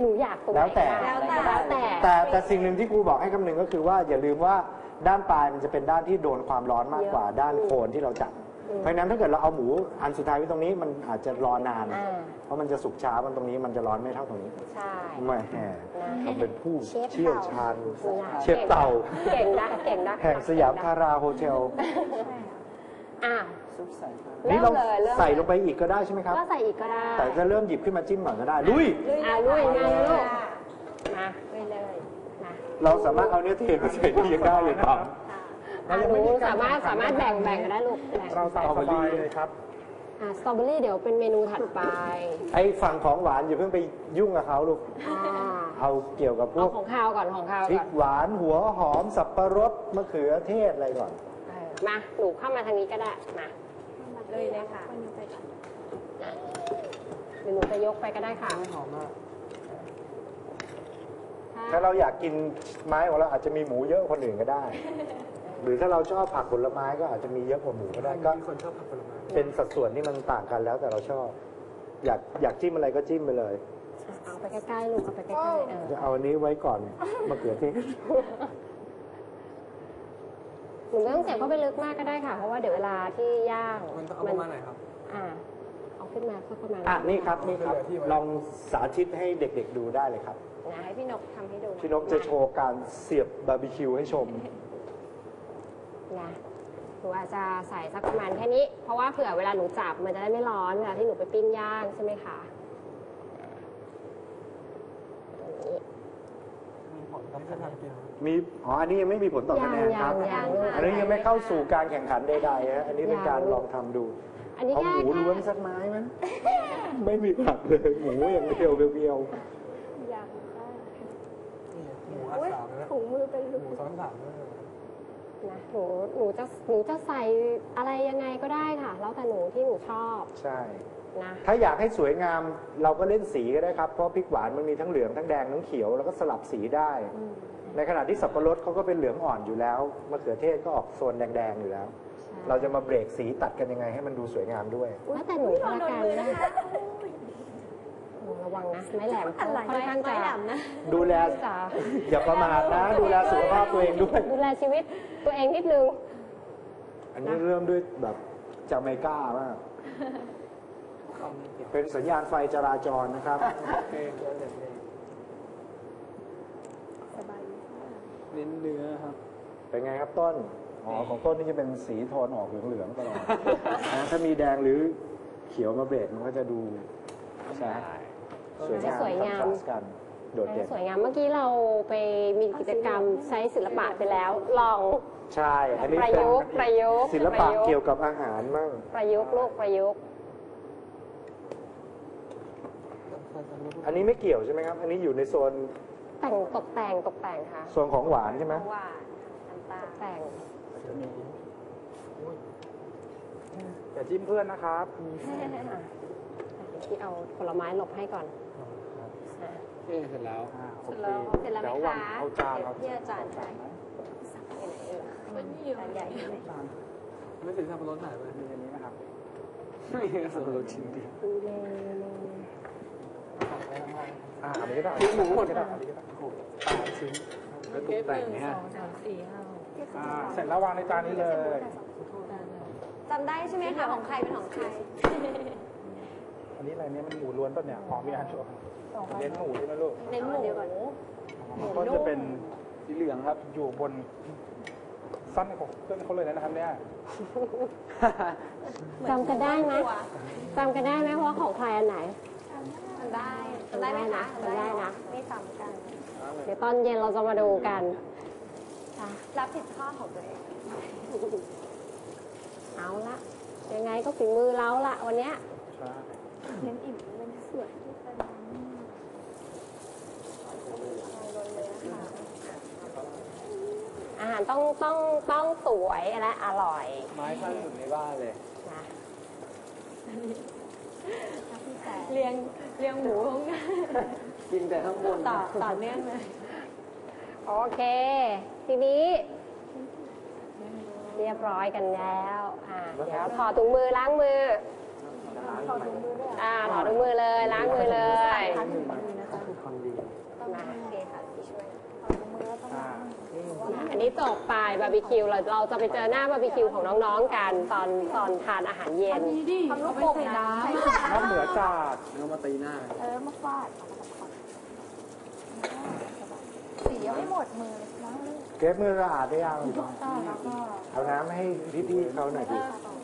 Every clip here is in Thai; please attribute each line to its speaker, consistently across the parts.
Speaker 1: หนูอยากตรงไหน
Speaker 2: แล้วแต่
Speaker 1: แต่
Speaker 2: สิ่งหนึ่งที่ครูบอกให้คำนึงก็คือว่าอย่าลืมว่าด้านปลายมันจะเป็นด้านที่โดนความร้อนมากกว่าด้านโคนที่เราจับเพราะฉะนั้นถ้าเกิดเราเอาหมูอันสุดท้ายไว้ตรงนี้มันอาจจะรอนานเพราะมันจะสุกช้ามันตรงนี้มันจะร้อนไม่เท่าตรงนี้
Speaker 1: ใช่
Speaker 2: ไม่แห่เราเป็นผู้เชี่ยวชาญเชฟ
Speaker 1: เต่า
Speaker 2: เต่า
Speaker 1: เก่งนะเก่งนะ
Speaker 2: แห่งสยามทาราโฮเทลนี่เราใส่ลงไปอีกก็ได้ใช่ไหมครับ
Speaker 1: ก็ใส่อีกก็ได้
Speaker 2: แต่จะเริ่มหยิบขึ้นมาจิ้มก่อนก็ได้ลุย
Speaker 1: ลุยมาลูกมาเลยมา
Speaker 2: เราสามารถเอาเนื้อเทมาใส่ที่ยังได้เลยครับ
Speaker 1: หนูสามารถแบ่งก็ได้ลูก
Speaker 3: เราใส่สตรอเบอรี่เลยครับ
Speaker 1: สตรอเบอรี่เดี๋ยวเป็นเมนูถัดไป
Speaker 2: ไอ้ฝั่งของหวานอย่าเพิ่งไปยุ่งกับเขาลูกเอาเกี่ยวกับพวก
Speaker 1: ของข้าวก่อน
Speaker 2: พริกหวานหัวหอมสับปะรดมะเขือเทศอะไรก่อน
Speaker 1: มาหนูเข้ามาทางนี้ก็ได้มาเลยค่ะหรือหนูจะยกไปก็ได้ค่ะ
Speaker 3: หอมมาก
Speaker 2: ถ้าเราอยากกินไม้ของเราอาจจะมีหมูเยอะคนอื่นก็ได้หรือถ้าเราชอบผักผลไม้ก็อาจจะมีเยอะกว่าหมูก็ได้ก็
Speaker 3: มีคนชอบผักผลไม้
Speaker 2: เป็นสัดส่วนที่มันต่างกันแล้วแต่เราชอบอยากจิ้มอะไรก็จิ้มไปเลย
Speaker 1: เอาไปใกล้ๆลูกเอาไปใกล้ๆ
Speaker 2: จะเอาอันนี้ไว้ก่อนมะเขือเทศ
Speaker 1: หนูไม่ต้องเสียบเข้าไปลึกมากก็ได้ค่ะเพราะว่าเดี๋ยวเวลาที่ย่าง
Speaker 3: มันเอาประมาณไหนครับ
Speaker 1: เอาขึ้นมาสักประมาณ
Speaker 2: นี่ครับลองสาธิตให้เด็กๆดูได้เลยครับ
Speaker 1: ให้พี่นกทำให้ดู
Speaker 2: พี่นกจะโชว์การเสียบบาร์บีคิวให้ชม
Speaker 1: นะหนูอาจจะใส่สักประมาณแค่นี้เพราะว่าเผื่อเวลาหนูจับมันจะได้ไม่ร้อนเวลาที่หนูไปปิ้งย่างใช่ไหมคะ
Speaker 2: มีอันนี้ยังไม่มีผลต่อคะแนนครับอันนี้ยังไม่เข้าสู่การแข่งขันใดๆฮะอันนี้เป็นการลองทำดูเอาหมูล้วนสักไม้มั้ยไม่มีผักเลยหมูอย่างเดียวเบียว
Speaker 3: อย่างหมูอัดสามนะถุงมือเป็นหมูซ้อนสามด้วย
Speaker 1: นะหนูจะใส่อะไรยังไงก็ได้ค่ะแล้วแต่หนูที่หนูชอบ
Speaker 2: ใช่นะถ้าอยากให้สวยงามเราก็เล่นสีก็ได้ครับเพราะพริกหวานมันมีทั้งเหลืองทั้งแดงทั้งเขียวแล้วก็สลับสีได้ในขณะที่สับปะรดเขาก็เป็นเหลืองอ่อนอยู่แล้วมะเขือเทศก็ออกโซนแดงๆอยู่แล้วเราจะมาเบรกสีตัดกันยังไงให้มันดูสวยงามด้วย
Speaker 1: แล้วแต่หนูละกันนะคะระวังนะไม้แหลมค่อนข้างจะ
Speaker 2: ดูแลอย่าประมาทนะดูแลสุขภาพตัวเองด้วย
Speaker 1: ดูแลชีวิตตัวเองนิดนึง
Speaker 2: อันนี้เริ่มด้วยแบบจาเมกามากเป็นสัญญาณไฟจราจรนะครับ
Speaker 3: เน้นเนื้อครับ
Speaker 2: เป็นไงครับต้นของต้นนี่จะเป็นสีโทนออกเหลืองๆตลอดถ้ามีแดงหรือเขียวมาเบรกมันก็จะดู
Speaker 1: สวยงาม
Speaker 2: กันโดดเด่น
Speaker 1: สวยงามเมื่อกี้เราไปมีกิจกรรมใช้ศิลปะไปแล้วลอง
Speaker 2: ใช่อันนี้
Speaker 1: ประยุกต์
Speaker 2: ศิลปะเกี่ยวกับอาหารมั่ง
Speaker 1: ประยุกต์ลูกประยุกต์
Speaker 2: อันนี้ไม่เกี่ยวใช่ไหมครับอันนี้อยู่ในโซน
Speaker 1: ตกแต่งค่ะ
Speaker 2: โซนของหวานใช่ไหม
Speaker 1: หวานตกแต่ง
Speaker 3: อย่าจิ้มเพื่อนนะครับ
Speaker 1: ที่เอาผลไม้หลบให้ก่อน
Speaker 3: เสร็จแล้ว
Speaker 1: เสร็จแล้วไหมคะ
Speaker 3: เอาจาน
Speaker 1: ที่อาจารย์ใส่จานใหญ่
Speaker 3: ไม่ถึงสับปะรดไหนเลยมีอันนี้นะครับไม่สับปะรดชิ้นเดียว
Speaker 2: อันนี้ก็ได้
Speaker 3: หมูหมดก็ได้อันนี้ก็ได้8 ชิ้นแล้วตกแต่งเนี่ยเสร็จแล้ววางในจานนี้เลย
Speaker 1: จำได้ใช่ไหมคะของใครเป็นของใคร
Speaker 3: อันนี้อะไรเนี่ยมันหมูล้วนป่ะเนี่ยหอมมีอันชัวร์เน้นหมูใช่ไหมลูก
Speaker 1: เน้นหมูเดียวก่อน
Speaker 3: ก็จะเป็นสีเหลืองครับอยู่บนสั้นของเพื่อนเขาเลยนะครับเนี่ย
Speaker 1: จำกันได้ไหมเพราะของใครอันไหน
Speaker 4: จำได้ไหมคะ
Speaker 1: จำได้นะ
Speaker 4: ไม่ซ้ำกัน
Speaker 1: เดี๋ยวตอนเย็นเราจะมาดูกัน
Speaker 4: รับผิดชอบของตัวเอง
Speaker 1: เอาละยังไงก็ฝีมือเราละวันเนี้ย
Speaker 4: เน้นอิ่มเน้นสวย
Speaker 1: อาหารต้องสวยและอร่อย
Speaker 3: ไม้ข้างสุดในบ้านเลย
Speaker 1: นะ
Speaker 4: เลี้ยงหมูของกัน
Speaker 3: กินแต่ข้างบน
Speaker 4: ต่อเนื่องเลย
Speaker 1: โอเคทีนี้เรียบร้อยกันแล้วเดี๋ยวถอดถุงมือล้างมือถอดถุงมือเลยล้างมือเลยอันนี้จบไปบาร์บีคิวเราจะไปเจอหน้าบาร์บีคิวของน้องๆกันตอนทานอาหารเย็น
Speaker 4: ทำลูกโป่งน้
Speaker 3: นอกเหนือจาก
Speaker 4: ำมาฟาดสียังไม่หมดมือล้างเลย
Speaker 2: เก็บมือสะอาดได้ยัง
Speaker 4: แล้วก็
Speaker 2: เอาน้ำให้พี่ๆเขาหน่อยดิ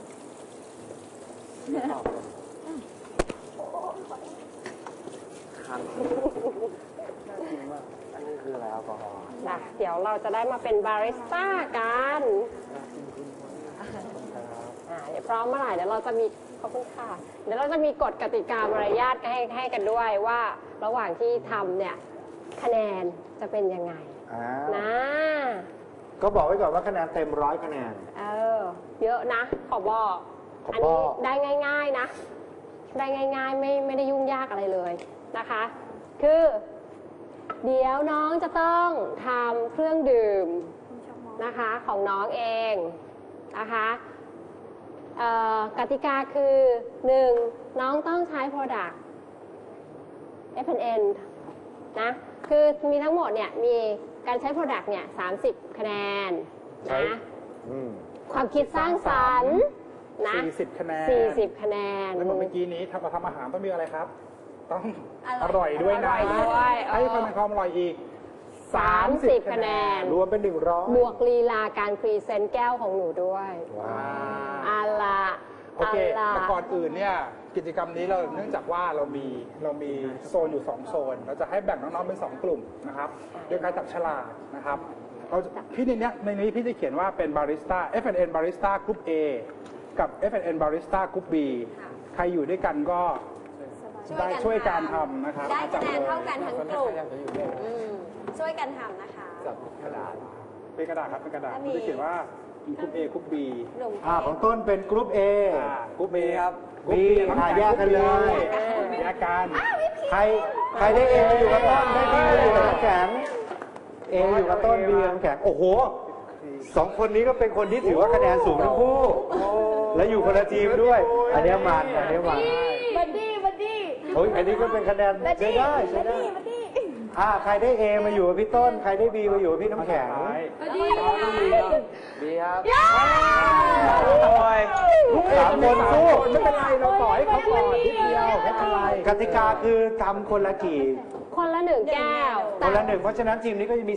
Speaker 2: อันนี้คืออะไรแอลกอฮอล์
Speaker 1: นะเดี๋ยวเราจะได้มาเป็นบาริสต้ากันเดี๋ยวพร้อมเมื่อไหร่เดี๋ยวเราจะมีขอบคุณค่ะเดี๋ยวเราจะมีกฎกติกามารยาทให้กันด้วยว่าระหว่างที่ทำเนี่ยคะแนนจะเป็นยังไงนะ
Speaker 2: ก็บอกไว้ก่อนว่าคะแนนเต็ม100 คะแนน
Speaker 1: เยอะนะขอบอกอันนี้ได้ง่ายๆนะได้ง่ายๆไม่ได้ยุ่งยากอะไรเลยนะคะคือเดี๋ยวน้องจะต้องทำเครื่องดื่มนะคะของน้องเองนะคะกติกาคือ 1. น้องต้องใช้ Product F&N นะคือมีทั้งหมดเนี่ยมีการใช้ Product เนี่ย30 คะแนนนะความคิดสร้างสรรค์นะ
Speaker 3: 40 คะแนน
Speaker 1: 40 คะแนน
Speaker 3: แล้วเมื่อกี้นี้เราทำอาหารต้องมีอะไรครับ ต้องอร่อยด้วยนะให้คะแนนความอร่อยอีก
Speaker 1: 30 คะแนน
Speaker 2: รวมเป็น100
Speaker 1: บวกลีลาการพรีเซนต์แก้วของหนูด้วย
Speaker 2: ว้าว
Speaker 3: โอเคแต่ก่อนอื่นเนี่ยกิจกรรมนี้เราเนื่องจากว่าเรามีโซนอยู่2โซนเราจะให้แบ่งน้องๆเป็น2กลุ่มนะครับโดยการจับฉลากนะครับพี่ในนี้พี่จะเขียนว่าเป็นบาริสต้า F&N บาริสต้ากรุ๊ป A กับ F&N บาริสต้ากรุ๊ป B ใครอยู่ด้วยกันก็ได้ช่วยการทำนะครับ
Speaker 1: ได้คะแนนเท่ากันทั้งกลุ่มช่วยกันทำนะคะ
Speaker 2: จับกระดาษ
Speaker 3: เป็นกระดาษครับเป็นกระดาษพี่จะเขียนว่ากรุ๊ป A กรุ๊ป B
Speaker 2: ของต้นเป็นกรุ๊ป A
Speaker 3: กรุ๊ป B ครับ
Speaker 2: B แยกกันเลย
Speaker 3: แยกกัน
Speaker 2: ใครได้ A อยู่กับต้นได้ B อยู่กับน้ำแข็ง A อยู่กับต้น B น้ำแข็งโอ้โห2 คนนี้ก็เป็นคนที่ถือว่าคะแนนสูงทั้งคู่และอยู่คนละทีมด้วยอันนี้มัน
Speaker 4: บัดดี้
Speaker 2: โอ้ยอันนี้ก็เป็นคะแนนใช้ได้ใครได้ A มาอยู่กับพี่ต้นใครได้ B มาอยู่กับพี่น้ำแข็ง
Speaker 3: ดีครับ
Speaker 2: 3 คนสู้
Speaker 3: ไม่เป็นไรเราต่อให้เขาก่อนนิดเดียวไม่เป็นไร
Speaker 2: กติกาคือทำคนละกี่
Speaker 1: คนละ1 แก้ว
Speaker 2: คนละ1เพราะฉะนั้นทีมนี้ก็จะมี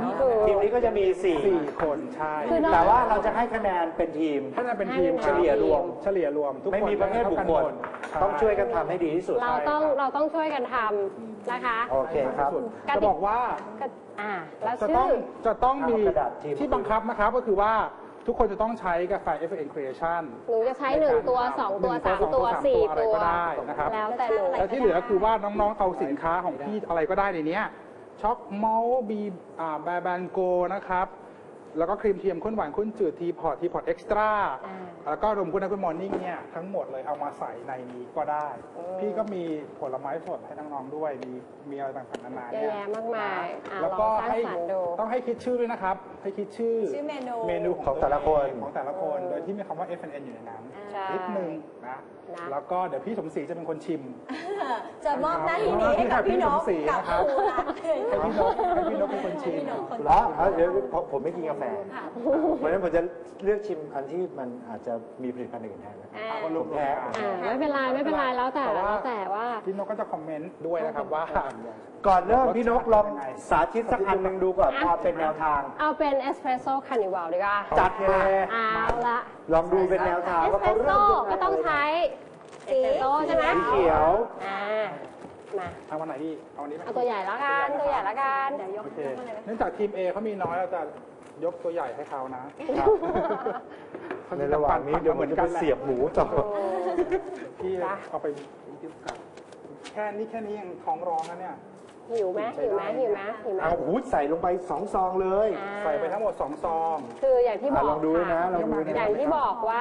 Speaker 2: 3ทีมนี้ก็จะมี4
Speaker 3: คนใช่
Speaker 2: แต่ว่าเราจะให้คะแนนเป็นทีม
Speaker 3: ถ้าเป็นทีมเฉลี่ยรวมทุกคน
Speaker 2: ไม่มีประเภทบุคคลต้องช่วยกันทำให้ดีที่สุด
Speaker 1: เราต้องช่วยกันทำนะคะ
Speaker 2: โอเคครับ
Speaker 3: จะบอกว่า
Speaker 1: แล้ว
Speaker 3: จะต้องมีที่บังคับนะครับก็คือว่าทุกคนจะต้องใช้กาแฟ F&N Creation
Speaker 1: หนูจะใช้1 ตัว 2 ตัว 3 ตัว 4
Speaker 3: อะไรก็ได้นะครับ
Speaker 1: แล้วแต่หนู
Speaker 3: แล้วที่เหลือคือว่าน้องๆเอาสินค้าของพี่อะไรก็ได้ในนี้ช็อกเมาส์บีแบนโกนะครับแล้วก็ครีมเทียมข้นหวานข้นจืดทีพอร์ตเอ็กซ์ตร้าแล้วก็รวมคุณนะคุณมอร์นิ่งเนี่ยทั้งหมดเลยเอามาใส่ในนี้ก็ได้พี่ก็มีผลไม้สดให้น้องๆด้วยมีอะไรต่างๆนานา
Speaker 1: เนี่ยเยอะแยะมากมาย
Speaker 3: แล้วก็ต้องให้คิดชื่อด้วยนะครับให้คิดชื่อเมนู
Speaker 2: ของแต่ละ
Speaker 3: คนโดยที่มีคำว่า F&N อยู่ในนั้นนิดนึงนะแล้วก็เดี๋ยวพี่สมศรีจะเป็นคนชิม
Speaker 4: จะมอบหน้าที่นี้ให้กับพี่นก
Speaker 3: กับครูรักให้พี่นกเป็นคนชิม
Speaker 2: แล้วเดี๋ยวผมไม่กินกาแฟเพราะฉะนั้นผมจะเลือกชิมอันที่มันอาจจะมีผลิตภัณฑ์อื่นแทนนะ
Speaker 3: ผมแพ้
Speaker 1: ไม่เป็นไรแล้วแต่ว่า
Speaker 3: พี่นกก็จะคอมเมนต์ด้วยนะครับว่า
Speaker 2: ก่อนเริ่มพี่นกลองสาธิตสักอันหนึ่งดูก่อนพอเป็นแนวทาง
Speaker 1: เอาเป็นเอสเปรสโซ่คาร์นิวัลดีกว่า
Speaker 2: จัดเลย
Speaker 1: เอาละ
Speaker 2: ลองดูเป็นแนวทาง
Speaker 1: เอสเปรสโซ่ก็ต้องใช้สีใช่ไหม
Speaker 2: สีเขียว
Speaker 1: มา
Speaker 3: เอาวันไหนดีเอาวันนี้
Speaker 1: เอาตัวใหญ่แล้วกันเดี๋ยวยก
Speaker 3: เนื่องจากทีม A เขามีน้อยเราจะยกตัวใหญ่ให้เขานะ
Speaker 2: ในระหว่างนี้เดี๋ยวมันจะเสียบหมูต่อ
Speaker 3: พี่เอาไปแค่นี้ยังท้องร้องนะเนี่ย
Speaker 1: หิวไหม
Speaker 2: เอาใส่ลงไป2 ซองเลย
Speaker 3: ใส่ไปทั้งหมด2 ซอง
Speaker 1: คืออย่างที่บอก
Speaker 2: ลองดูนะ
Speaker 1: อย่างที่บอกว่า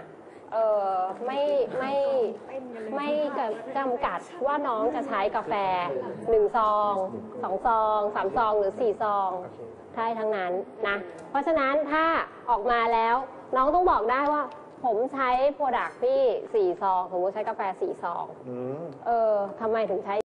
Speaker 1: ไม่จำกัดว่าน้องจะใช้กาแฟ1 ซอง 2 ซอง 3 ซองหรือ4 ซองได้ทั้งนั้นนะเพราะฉะนั้นถ้าออกมาแล้วน้องต้องบอกได้ว่าผมใช้โปรดักต์พี่4 ซองผมใช้กาแฟ4 ซองทำไมถึงใช้